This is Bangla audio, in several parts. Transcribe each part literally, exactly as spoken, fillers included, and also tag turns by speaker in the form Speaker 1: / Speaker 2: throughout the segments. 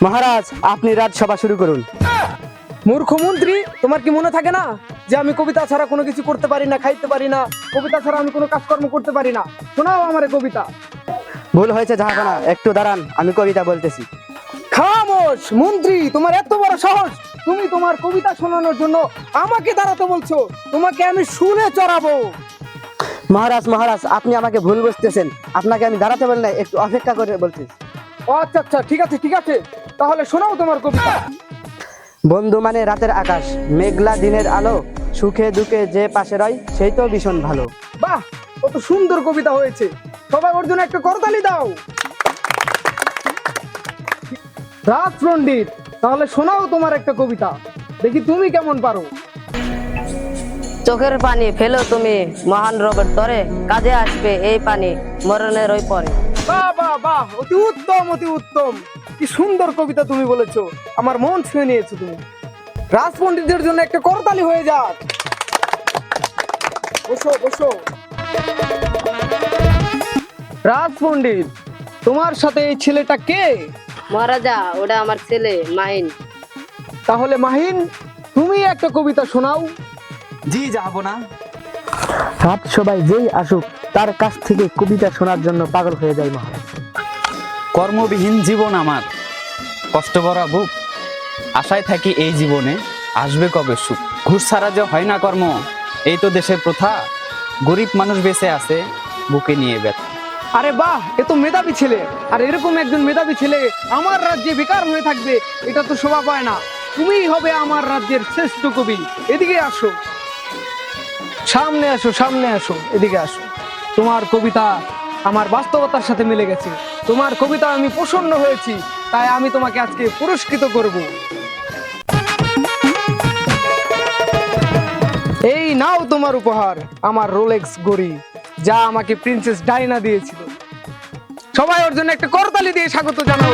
Speaker 1: মহারাজ, আপনি রাজসভা শুরু করুন।
Speaker 2: মূর্খ মন্ত্রী, তোমার কি মনে থাকে না যে আমি কবিতা ছাড়া কোনো কিছু করতে পারি না, খাইতে পারি না, কবিতা ছাড়া আমি কোনো কাজকর্ম করতে পারি না? শোনাও আমারে কবিতা।
Speaker 1: ভুল হয়েছে জাহাপনা, একটু দাঁড়ান, আমি কবিতা বলতেছি।
Speaker 2: খামোশ মন্ত্রী, তোমার এত বড় সাহস! তুমি তোমার কবিতা শোনানোর জন্য আমাকে দাঁড়াতে বলছো? তোমাকে আমি শুনে চড়াবো।
Speaker 1: মহারাজ মহারাজ, আপনি আমাকে ভুল বুঝতেছেন। আপনাকে আমি দাঁড়াতে বলি না, একটু অপেক্ষা করে বলতেছি।
Speaker 2: ও আচ্ছা আচ্ছা, ঠিক আছে ঠিক আছে, তাহলে শোনাও তোমার কবিতা।
Speaker 1: বন্ধু মানে রাতের আকাশ, মেঘলা দিনের আলো, সুখে দুঃখে যে পাশে রয় সেই তো ভীষণ ভালো।
Speaker 2: বাহ, কত সুন্দর কবিতা হয়েছে! সবাই ওর জন্য একটা করতালি দাও। রাজ পণ্ডিত, তাহলে শোনাও তোমার একটা কবিতা, দেখি তুমি কেমন পারো।
Speaker 3: চোখের পানি ফেলো তুমি মহান রবের তরে, কাজে আসবে এই পানি মরণের ওই পরে।
Speaker 2: বাহ বাহ বাহ, অতি উত্তম অতি উত্তম! কি সুন্দর কবিতা তুমি বলেছো, আমার মন ছুঁয়ে নিয়েছো তুমি। রাজ পণ্ডিতদের জন্য একটা করতালি হয়ে যাক। বসো বসো। রাজ পণ্ডিত, তোমার সাথে এই ছেলেটা কে?
Speaker 3: মহারাজা, ওটা আমার ছেলে মাহিন।
Speaker 2: তাহলে মাহিন, তুমি একটা কবিতা শোনাও।
Speaker 1: জি যাবো না। রাত সবাই যেই আসুক তার কাছ থেকে কবিতা শোনার জন্য পাগল হয়ে যায় মহারাজ।
Speaker 4: কর্মবিহীন জীবন আমার, কষ্ট ভরা বুক, আশায় থাকি এই জীবনে আসবে কবে সুখ। ঘুষ ছাড়া যে হয় না কর্ম, এই তো দেশের প্রথা, গরিব মানুষ বেঁচে আছে বুকে নিয়ে ব্যথা।
Speaker 2: আরে বাহ, এ তো মেধাবী ছেলে। আর এরকম একজন মেধাবী ছেলে আমার রাজ্যে বেকার হয়ে থাকবে, এটা তো শোভা পায় না। তুমিই হবে আমার রাজ্যের শ্রেষ্ঠ কবি। এদিকে আসো, সামনে আসো, সামনে আসো, এদিকে আসো। তোমার কবিতা আমার বাস্তবতার সাথে মিলে গেছে। তোমার কবিতা আমি প্রসন্ন হয়েছি, তাই আমি তোমাকে আজকে পুরস্কৃত করব। এই নাও তোমার উপহার, আমার রোলেক্স ঘড়ি, যা আমাকে প্রিন্সেস ডাইনা দিয়েছিল। সবাই ওর জন্য একটা করতালি দিয়ে স্বাগত জানাও।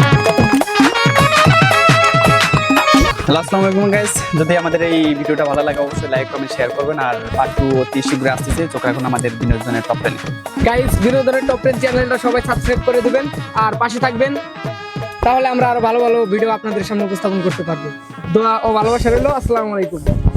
Speaker 4: আসসালামু আলাইকুম গাইস, যদি আমাদের এই ভিডিওটা ভালো লাগে অবশ্যই লাইক কমেন্ট শেয়ার করবেন। আর পার্ট টু অতি শীঘ্রই আসতেছে, চোখ এখন আমাদের বিনোদনের টপ টেনে।
Speaker 2: গাইস, বিনোদনের টপ টেন চ্যানেলটা সবাই সাবস্ক্রাইব করে দিবেন আর পাশে থাকবেন, তাহলে আমরা আরো ভালো ভালো ভিডিও আপনাদের সামনে উপস্থাপন করতে পারবো। দোয়া ও ভালোবাসা রইল। আসসালামু আলাইকুম।